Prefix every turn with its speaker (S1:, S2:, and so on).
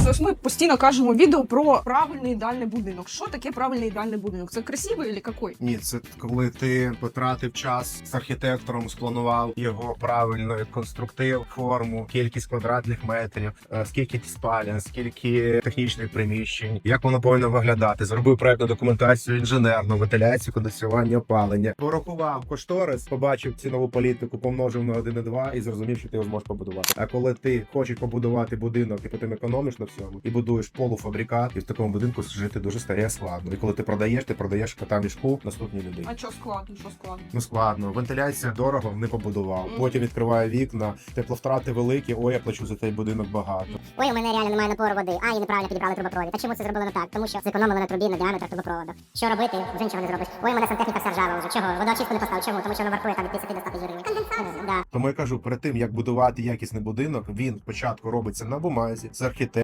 S1: Ось ми постійно кажемо відео про правильний ідеальний будинок. Що таке правильний ідеальний будинок? Це красивий чи який?
S2: Ні, це коли ти потратив час з архітектором, спланував його правильно, конструктив, форму, кількість квадратних метрів, скільки спалень, скільки технічних приміщень, як воно повинно виглядати. Зробив проектну документацію інженерну, вентиляцію, кондиціювання, опалення. Порахував кошторис, побачив цінову політику, помножив на 1,2 і зрозумів, що ти його зможеш побудувати. А коли ти хочеш побудувати будинок, і потім економиш на всьому, і будуєш полуфабрикат, і в такому будинку жити дуже стає складно. І коли ти продаєш кота в мішку наступній людині.
S1: А що складно? Що складно?
S2: Ну складно. Вентиляція дорого, не побудував. Потім відкриває вікна, тепловтрати великі, ой, я плачу за цей будинок багато.
S3: Ой, у мене реально немає напору води. А, і неправильно підібрали трубопровід. А чому це зробили не так? Тому що зекономили на трубі на діаметр трубопроводу. Що робити? Вже нічого не зробиш. Ой, у мене сантехніка вся ржава вже. Чого? Водоочистку не поставив. Чому? Тому що воно вартує там від 50 до 100 тисяч гривень. Конденсат? Да.
S2: Тому я кажу, перед тим як будувати якісний будинок, він спочатку робиться на бумазі з архітектором.